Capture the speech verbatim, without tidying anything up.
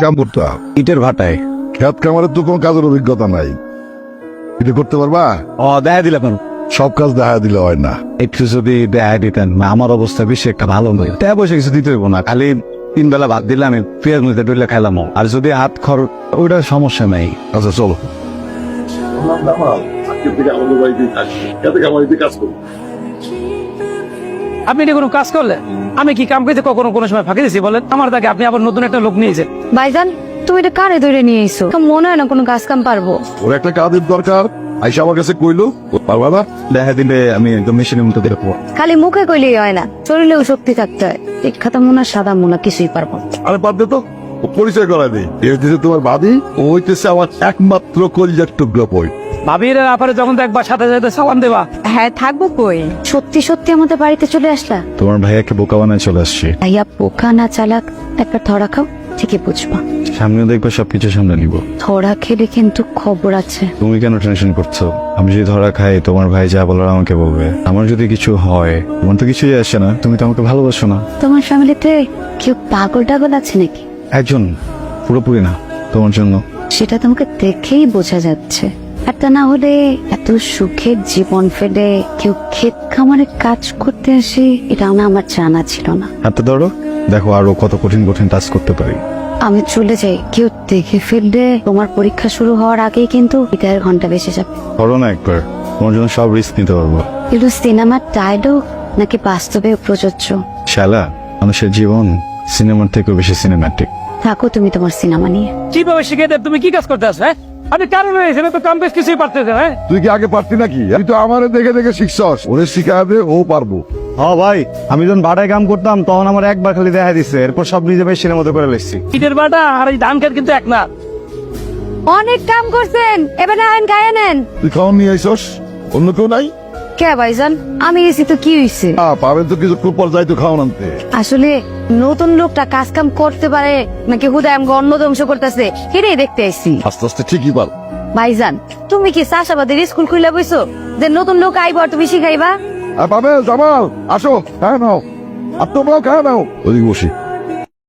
কাম করতাম ইটের ভাটায়। খেত কামারের তো কোনো কাজের অভিজ্ঞতা নাই, এটা করতে পারবা? ও দেখা দিলে কেন? সব কাজ দেখা দিলে হয় না। একটু যদি দেখা দিতেন, আমার অবস্থা বেশি একটা ভালো নয়। টাকা পয়সা কিছু দিতে হইব না, খালি তিন বেলা ভাত দিলে আমি পেঁয়াজ মধ্যে ডলে খাইলাম। আর যদি হাত খরচ, ওইটা সমস্যা নাই। আচ্ছা চলো। আপনি এটা কোনো কাজ করলে আমি কি কাম করতে কখনো কোনো সময় ফাঁকি দিছি বলেন? আমার তাকে আপনি আবার নতুন একটা লোক নিয়েছেন। ভাইজান তুমি এটা কারে ধরে নিয়ে এসো? মনে হয় না কোনো কাজ কাম পারবো। ওর একটা কাজের দরকার, আইসা আমার কাছে কইলো পারবা না। দেখা দিলে আমি একদম মেশিনের মতো দেখবো। খালি মুখে কইলেই হয় না, শরীরেও শক্তি থাকতে হয়। শিক্ষাতা মোনা সাদা মোনা কিছুই পারবো না। আরে বাদ দে তো, ও পরিচয় করা দেই। এ হইতেছে তোমার বাদী, ও হইতেছে আমার একমাত্র কলিজার টুকরো বই। ভাবির ব্যাপারে যখন দেখবা সাথে সাথে সালাম দেবা। হ্যাঁ থাকবো কই, সত্যি সত্যি আমাদের বাড়িতে চলে আসলা? তোমার ভাইয়াকে বোকা বানায় চলে আসছি। ভাইয়া পোকা না চালাক, একটা ধরা খাও ঠিকই বুঝবা। সামনে দেখবে সবকিছু সামনে নিব। ধরা খেলে কিন্তু খবর আছে। তুমি কেন টেনশন করছো? আমি যদি ধরা খাই, তোমার ভাই যা বলার আমাকে বলবে। আমার যদি কিছু হয়, তোমার তো কিছুই আসে না, তুমি তো আমাকে ভালোবাসো না। তোমার ফ্যামিলিতে কেউ পাগল টাগল আছে নাকি? একজন, পুরোপুরি না, তোমার জন্য। সেটা তোমাকে দেখেই বোঝা যাচ্ছে। একটা না হলে এত সুখের জীবন ফেলে কেউ ক্ষেত খামারে কাজ করতে আসে, এটা না আমার জানা ছিল না। হাতটা ধরো, দেখো আরো কত কঠিন কঠিন টাস্ক করতে পারি। আমি চলে যাই, কেউ দেখে ফেললে তোমার পরীক্ষা শুরু হওয়ার আগেই কিন্তু বিদায়ের ঘন্টা বেঁচে যাবে। করো না একবার, তোমার জন্য সব রিস্ক নিতে পারবো। কিন্তু সিনেমার ডায়লগ নাকি বাস্তবে প্রযোজ্য? শালা, মানুষের জীবন সিনেমার থেকেও বেশি সিনেম্যাটিক। থাকো তুমি তোমার সিনেমা নিয়ে। কিভাবে শিখে দেব? তুমি কি কাজ করতে আসো? হ্যাঁ আপনি কারণ এখানে তো কাম বেশ কিছুই পারতেছেন। হ্যাঁ তুই কি আগে পারতি নাকি? তুই তো আমারে দেখে দেখে শিখছস, ওরে শিখায় দে, ও পারবো। হ্যাঁ ভাই, আমি যখন ভাড়ায় কাম করতাম তখন আমার একবার খালি দেখা দিচ্ছে, এরপর সব নিজে ভাই সিনেমা মতো করে লেখছি। ইটের বাটা আর এই ধান খেত কিন্তু এক না। অনেক কাম করছেন, এবার আইন গায়ে নেন। তুই খাওয়ান নিয়ে আইসস, অন্য কেউ নাই? কে ভাইজান, আমি এসি তো কি হইছে? আ পাবেন তো কিছু পর যাই তো খাওয়ান আনতে। আসলে নতুন লোকটা কাজ কাম করতে পারে নাকি হুদায় আমাকে অন্ন ধ্বংস করতেছে, এটাই দেখতে আইছি। আস্তে আস্তে ঠিকই পার। ভাইজান তুমি কি চাষাবাদের স্কুল খুলে বইছো যে নতুন লোক আইব আর তুমি শিখাইবা? আর পাবে জামাল, আসো খায় নাও, আর তোমরাও খায় নাও। ওদিকে বসি।